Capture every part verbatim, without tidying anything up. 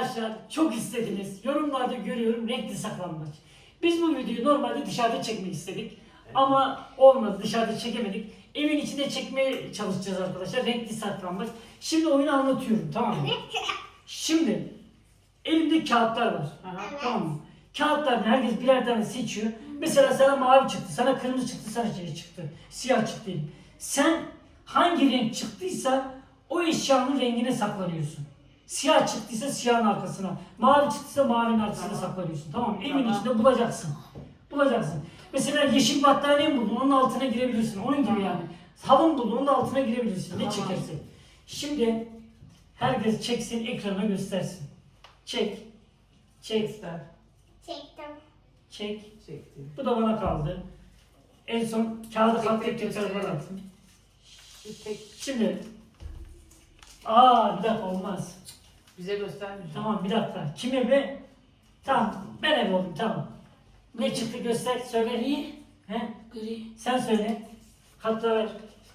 Arkadaşlar çok istediniz. Yorumlarda görüyorum renkli saklambaç. Biz bu videoyu normalde dışarıda çekmek istedik. Ama olmadı, dışarıda çekemedik. Evin içinde çekmeye çalışacağız arkadaşlar. Renkli saklambaç. Şimdi oyunu anlatıyorum, tamam mı? Şimdi elimde kağıtlar var. Aha, tamam mı? Kağıtlardan herkes birer tane seçiyor. Mesela sana mavi çıktı, sana kırmızı çıktı, sana şey çıktı. Siyah çıktı. Sen hangi renk çıktıysa o eşyanın rengine saklanıyorsun. Siyah çıktıysa siyahın arkasına, mavi çıktıysa mavinin arkasına tamam. saklanıyorsun. Tamam mı? Evin tamam. içinde bulacaksın. Bulacaksın. Mesela yeşil battaniye mi buldun, onun altına girebilirsin. Onun gibi tamam. yani. Halın buldun, onun altına girebilirsin. Ne tamam. çekersin. Şimdi herkes çeksin, ekrana göstersin. Çek. Çek. Göster. Çektim. Çek. Çektim. Bu da bana kaldı. En son kağıdı katlayıp tekrar bana atın. Şimdi. Aa bir dakika olmaz. Bize göstermeyeceğim. Tamam bir dakika. Kim ebe? Tamam. Ben ebe oldum tamam. Ne çıktı göster söyle. Gri. He? Gri. Sen söyle. Katla ver.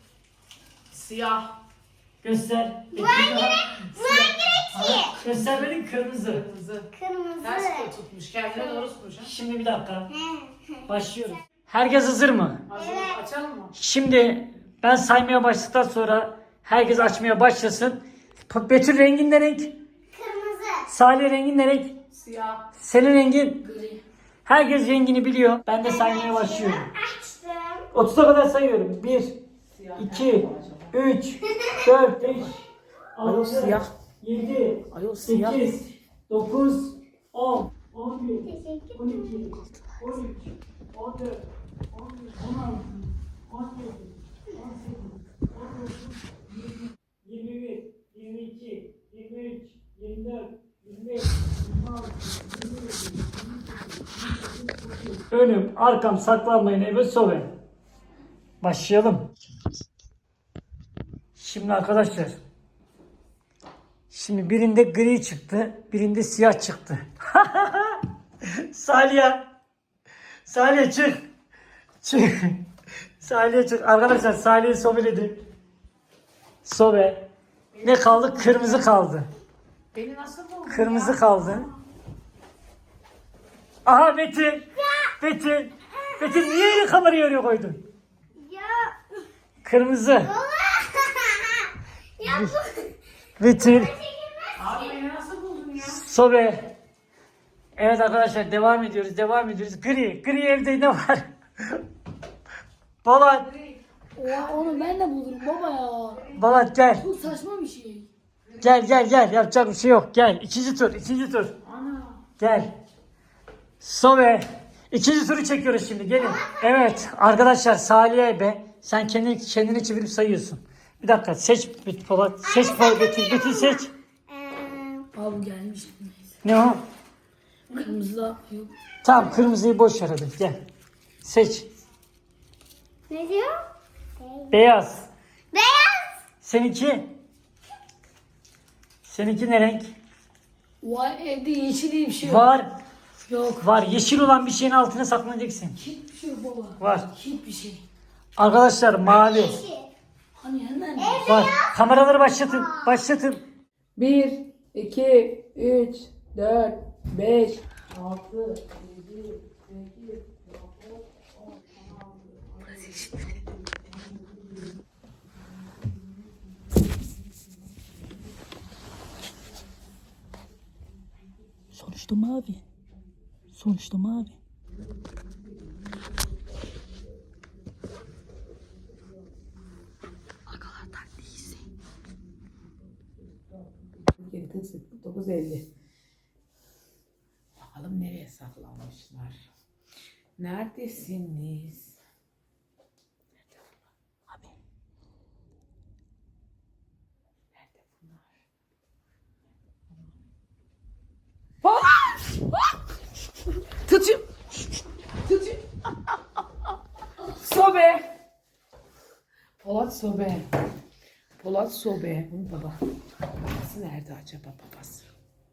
Siyah. Göster. Bu hangi renk? Bu hangi renk ki? Göster benim kırmızı. Kırmızı. Kırmızı. Ters tutmuş. Kendine doğru tutmuş. Ha? Şimdi bir dakika. Başlıyoruz. Herkes hazır mı? Hazır. Evet. Açalım mı? Şimdi ben saymaya başladıktan sonra herkes açmaya başlasın. Betül rengin ne renk? Kırmızı. Salih rengin ne renk? Siyah. Senin rengin? Gri. Herkes rengini biliyor. Ben de saymaya başlıyorum. Açtım. otuza kadar sayıyorum. bir, Siyah. iki, üç, dört, beş, Ayol altı, siyah. yedi, Ayol siyah. sekiz, dokuz, on, on bir, Teşekkür on iki, on üç, on dört, on beş, on altı, on yedi, on sekiz, on dokuz, yirmi, yirmi bir, yirmi iki, yirmi üç, yirmi dört, yirmi beş, yirmi altı, yirmi yedi, yirmi sekiz, yirmi dokuz, otuz. Önüm, arkam, saklanmayın eve sobe. Başlayalım. Şimdi arkadaşlar. Şimdi birinde gri çıktı, birinde siyah çıktı. Salih. Salih çık. Çık. Salih çık. Arkadaşlar Salih'i sobeledi. Sobe. Ne kaldı? Kırmızı kaldı. Beni nasıl buldun Kırmızı ya? kaldı. Aha Betül. Betül. Betül niye yine kamerayı oraya koydun? Ya. Kırmızı. Ya bu. Betül. Abi beni nasıl buldun ya? Sobe. Evet arkadaşlar devam ediyoruz. Devam ediyoruz. Gri. Gri evde ne var? Balat. Ya onu ben de bulurum baba ya. Balat gel. Bu saçma bir şey. Gel gel gel. Yapacak bir şey yok. Gel. İkinci tur. ikinci tur. Ana. Gel. Sobe. İkinci turu çekiyoruz şimdi. Gelin. Evet. Arkadaşlar Salih'e be. Sen kendini, kendini çevirip sayıyorsun. Bir dakika. Seç Polat. Seç Polat. Betül. Betül seç. Ee, Abi gelmiş. Ne o? Kırmızı da yok. Tamam. Kırmızıyı boş ver hadi. Gel. Seç. ne diyor? Beyaz. Beyaz. Seninki? Seninki ne renk? Vay evde yeşil diye bir şey yok. Var. Yok. Var. Yeşil olan bir şeyin altına saklanacaksın. Hiçbir şey yok baba. Var. Hiçbir şey. Arkadaşlar mavi. Yeşil. Hani hemen. Var. Kameraları başlatın. Başlatın. Bir, iki, üç, dört, beş, altı, yedi, sekiz, dokuz, on, on altı. Sonuçta mavi. Sonuçta mavi. dokuz elli. Bakalım nereye saklanmışlar? Neredesiniz? Abi. Nerede bunlar? Tutayım. Tutayım. Sobe. Polat Sobe. Polat Sobe. Bunun baba. Babası nerede acaba babası?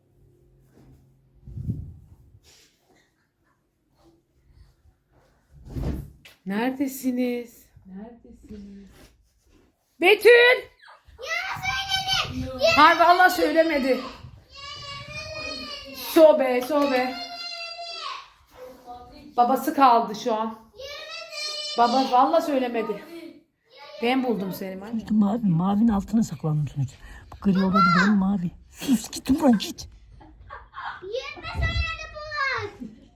Neredesiniz? Neredesiniz? Betül! Ya söyledim. Hayır vallahi söylemedi. Sobe, sobe. Babası kaldı şu an. Baba vallahi söylemedi. Ben buldum seni. Sonuçta mavi. Mavinin altına saklandım sonuçta. Bu gri olabilir ama mavi. Sus git buradan git. Yirmi söyledi Polat.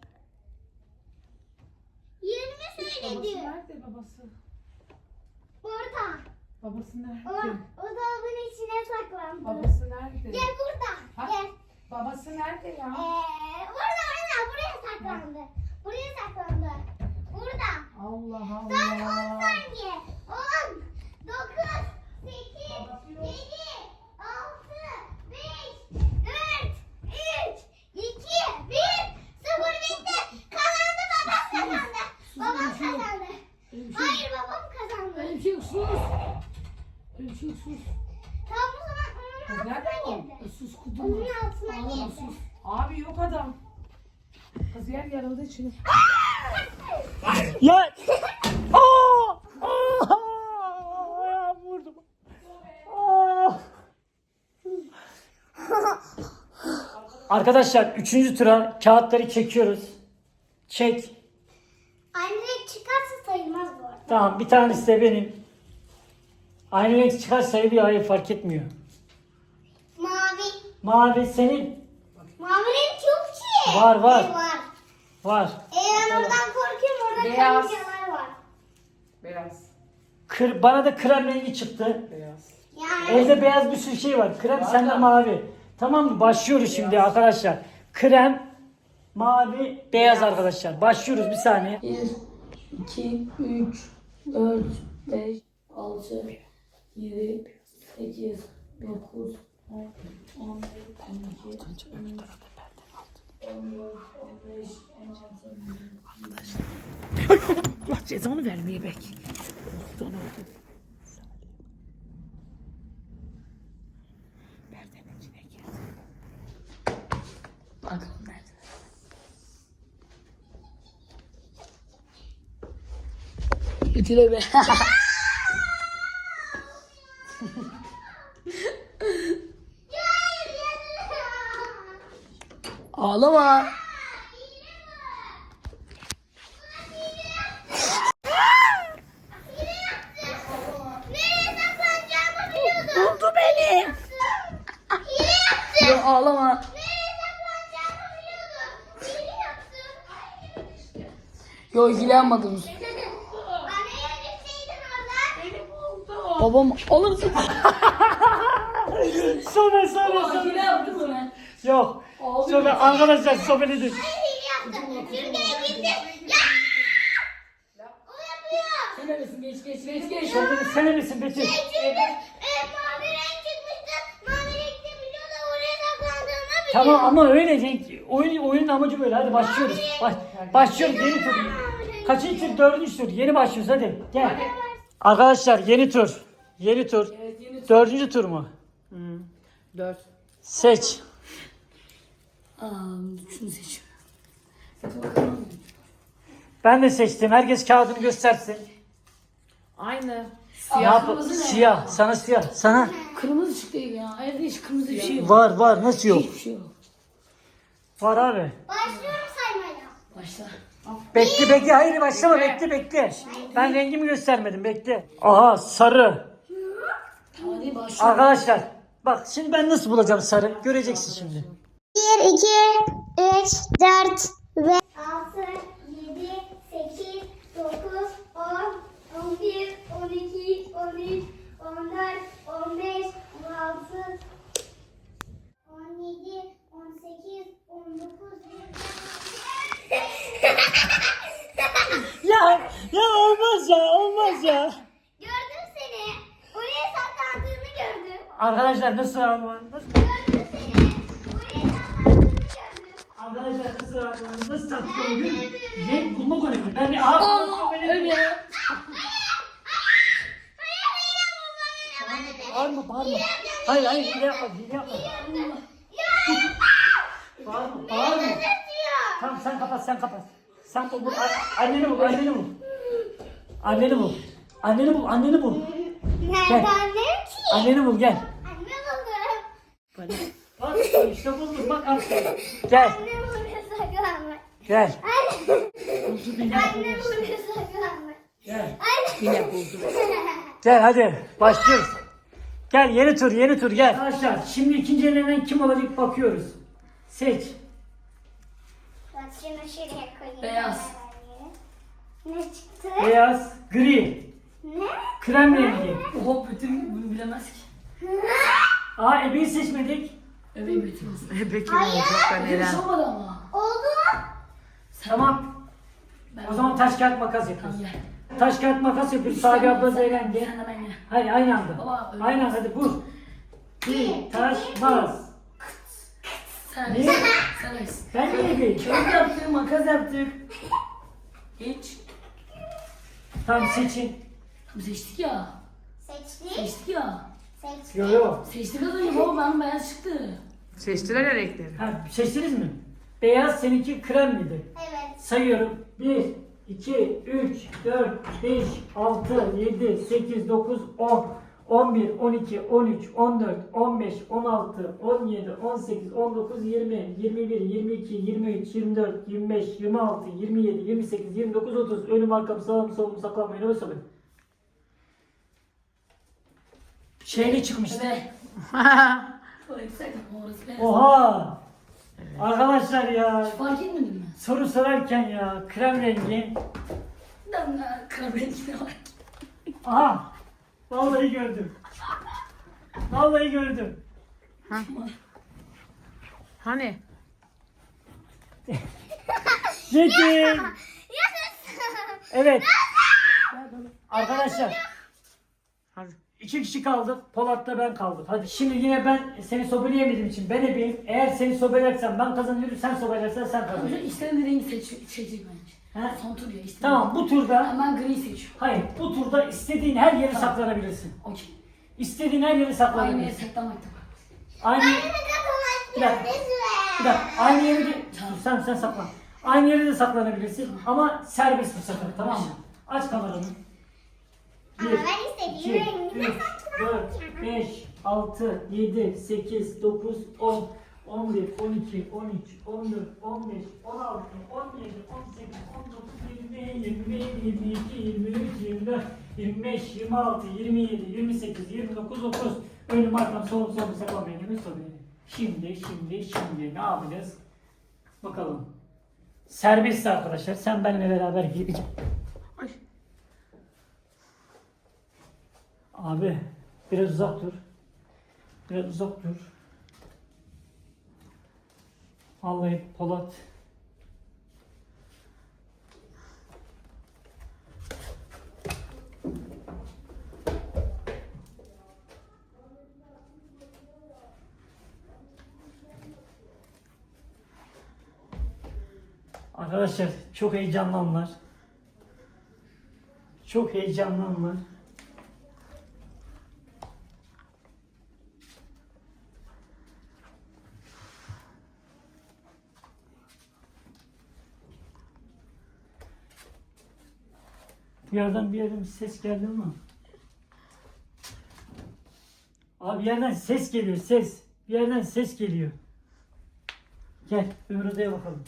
Yirmi söyledi. Nerede babası? Burada. Babası O, nerede? o dolabın içine saklandı. Babası nerede? Gel burada. Ha? Gel. Babası nerede ya? Ee, burada burada. Buraya saklandı. Buraya saklandı. Burada. Allah Son on Allah. saniye. on, dokuz, sekiz, yedi, altı, beş, dört, üç, iki, bir, sıfır bitti. Kazandı babam kazandı. Babam kazandı. Hayır babam kazandı. Öyle bir şey yok, sus. Öyle bir şey yok, sus. Tamam o zaman onun Nerede o? altına girdi. Sus kudum. Onun altına Ağlama girdi. sus. Abi yok adam. Kız yer yarıldı içine. Ya! Aa! Aa! Ayağım vurdum. Aa! Arkadaşlar üçüncü tura kağıtları çekiyoruz. Çek. Aynı renk çıkarsa sayılmaz bu arada. Tamam bir tanesi de benim. Aynı renk çıkar sayılıyor. Hayır fark etmiyor. Mavi. Mavi senin. Mavi renk yok ki. Var, var. Ee, var. Var. Ee, ben oradan korkuyorum. Orada Beyaz. karıncalar var. Beyaz. Kır, bana da krem rengi çıktı. Beyaz. Yani Evde beyaz bir sürü şey var. Krem sende mavi. Tamam mı? Başlıyoruz şimdi arkadaşlar. Krem, mavi, beyaz arkadaşlar. Başlıyoruz bir saniye. bir, iki, üç, dört, beş, altı, yedi, sekiz, dokuz, on, on bir, on iki, on üç, on dört, on beş, on altı. Allah cezanı vermeye bek. Son oldu. Perdenin içine girdi. Bakalım nerede? Ütüle be. Ağlama. nereye saklanacağımı biliyordum. Buldu beni. Hile yaptım. Yok ağlama. Nereye saklanacağımı biliyordum. Hile yaptım. Yok ilgilenmedim. Bana yerleşseydin oradan. Babam alırsın. Sobe, sobe, sobe. yaptın mı ben? Yok. Sobe, arkadaşlar sobeledim. Hayır hile yaptım. Çünkü gitti. Ya! O yapıyor. Sen neredesin? Geç geç geç geç. Sobe, sen misin Betül? Çünkü e, mavi renk çıkmıştı. Mavi renkte biliyor da oraya saklandığını biliyor. Tamam ama öyle renk. Oyun, oyunun amacı böyle. Hadi başlıyoruz. Baş, başlıyoruz yeni tur. Kaçıncı tur? Dördüncü tur. Yeni başlıyoruz hadi. Gel. Arkadaşlar yeni tur. Yeni tur. Evet yeni tur. Dördüncü tur mu? Dört. Seç. Aa, şunu seç. Seç bakalım. Ben de seçtim. Herkes kağıdını göstersin. Aynı. Ne yap? Siyah. Sana siyah. Sana. Kırmızı çıktı ya. Evde hiç kırmızı bir şey yok. Var var. Nasıl yok? Hiçbir şey yok. Var abi. Başlıyorum saymaya. Başla. Bekle bekle. Hayır başlama. Bekle bekle. Ben rengimi göstermedim. Bekle. Aha sarı. Hadi başla. Arkadaşlar. Bak şimdi ben nasıl bulacağım sarı. Göreceksin şimdi. bir, iki, üç, dört, beş, altı, yedi, sekiz, dokuz, on, on bir, on iki, on üç, on dört, on beş, on altı, on yedi, on sekiz, on dokuz, Ya ya olmaz ya olmaz ya. Gördüm seni. Oraya saklandığını gördüm. Arkadaşlar nasıl ama? Nasıl? Gördüm seni. Oraya saklandığını gördüm. Arkadaşlar nasıl ama? Nasıl taktik oluyor? Renk bulmak önemli. Ben de aha. Öyle. Bağırma bağırma. Hayır hayır hile yapma hile yapma. Bağırma bağırma. Tamam sen kapat sen kapat. Sen bul, bul. A- anneni bul anneni bul. Anneni bul. Anneni bul anneni bul. Nereden ne ki? Anneni bul gel. Anne buldum. Bak İşte bulduk bak aferin. Gel. Annem buraya saklanmış. Gel. Annem buraya saklanmış. Gel. Yine buldum. Gel hadi başlıyoruz. Gel yeni tur yeni tur gel. Arkadaşlar şimdi ikinci elenen kim olacak bakıyoruz. Seç. Bak şunu şuraya koyayım. Beyaz. Ne çıktı? Beyaz, gri, Ne? krem rengi. Oha bütün bunu bilemez ki. Aa ebeyi seçmedik. Bebeği bitirmez. Bebek kim olacak ben Bebeği Eren. olmadı ama. Oldu. Tamam. Ben O zaman taş kağıt makas Tamam yapıyoruz. gel. Taş kağıt makas yapıyoruz. Sabi abla Sen- Zeyren gel. Sen de ben gel. Hayır aynı anda. Baba, öyle Aynı olmaz. anda hadi vur. Bir taş makas. Sen Niye? Sen reis. Ben de ebeyim. Kağıt yaptık, makas yaptık. Geç. Tamam seçin. Tamam seçtik ya. Seçtik. Seçtik ya. Seçtik. Yo yo. Seçtik az önce baba benim beyaz çıktı. Seçtiler ya renkleri. Ha, seçtiniz mi? Beyaz seninki krem miydi? Evet. Sayıyorum. bir, iki, üç, dört, beş, altı, yedi, sekiz, dokuz, on, on bir, on iki, on üç, on dört, on beş, on altı, on yedi, on sekiz, on dokuz, yirmi, yirmi bir, yirmi iki, yirmi üç, yirmi dört, yirmi beş, yirmi altı, yirmi yedi, yirmi sekiz, yirmi dokuz, otuz. Önüm arkam sağım solum saklanmayın. Öyle söyle. Şeyli çıkmıştı. Bebe. Tuvalet sakın orası beyaz. Oha! Arkadaşlar ya Fark etmedin mi? soru sorarken ya krem rengi. Ben de kahverengi var. Aha! Vallahi gördüm. Vallahi gördüm. Hani? Çekin. Evet. Arkadaşlar Hadi. iki kişi kaldık. Polat'ta ben kaldım. Hadi şimdi yine ben seni sobeleyemediğim için ben ebeyim. Eğer seni sobelersem ben kazanıyorum. Sen sobelersen sen Hocam kazanıyorsun. istediğin rengi seç, seçecek bence. He? Son tur ya istediğin. Tamam bu turda Hemen gri seç. hayır bu turda istediğin her yere saklanabilirsin. Okey. İstediğin her yere Aynı yere saklanabilirsin. saklamak da var. Aynı Bir dakika. Bir dakika. Aynı yere de Dur, sen sen saklan. Aynı yere de saklanabilirsin ama serbest bu sefer tamam mı? Aç kameranı. Ama ben iki, istediğim rengine üç, dört, beş, altı, yedi, sekiz, dokuz, on, on bir, on iki, on üç, on dört, on beş, on altı, on yedi, on sekiz, on dokuz, yirmi, yirmi bir, yirmi iki, yirmi üç, yirmi dört, yirmi beş, yirmi altı, yirmi yedi, yirmi sekiz, yirmi dokuz, otuz. Önüm arkam solum solum saklan benim soruyorum. Şimdi şimdi şimdi ne yapacağız? Bakalım. Serbest arkadaşlar. Sen benimle beraber gireceğim. Ay. Abi biraz uzak dur. Biraz uzak dur. Vallahi Polat. Arkadaşlar çok heyecanlı anlar. Çok heyecanlı anlar. Bir yerden bir yerden bir ses geldi mi? Abi bir yerden ses geliyor ses. Bir yerden ses geliyor. Gel öbür odaya bakalım.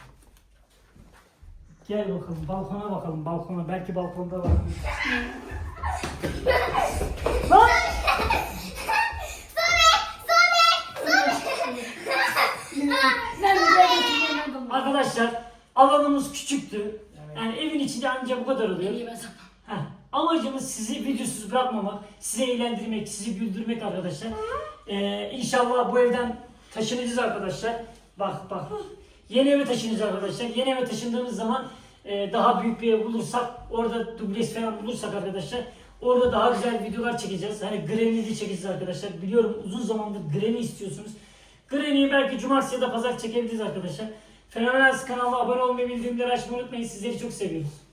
Gel bakalım balkona bakalım balkona. Belki balkonda var. Lan! Arkadaşlar alanımız küçüktü. Yani evin içinde ancak bu kadar oluyor. İyi ben saklan. Heh, amacımız sizi videosuz bırakmamak, sizi eğlendirmek, sizi güldürmek arkadaşlar. Ee, İnşallah bu evden taşınacağız arkadaşlar. Bak bak. Yeni eve taşınacağız arkadaşlar. Yeni eve taşındığımız zaman e, daha büyük bir ev bulursak, orada dubleks falan bulursak arkadaşlar, orada daha güzel videolar çekeceğiz. Hani Granny'li çekeceğiz arkadaşlar. Biliyorum uzun zamandır Granny istiyorsunuz. Granny'yi belki cumartesi ya da pazar çekebiliriz arkadaşlar. Fenomenal kanalına abone olmayı, bildirimleri açmayı unutmayın. Sizleri çok seviyoruz.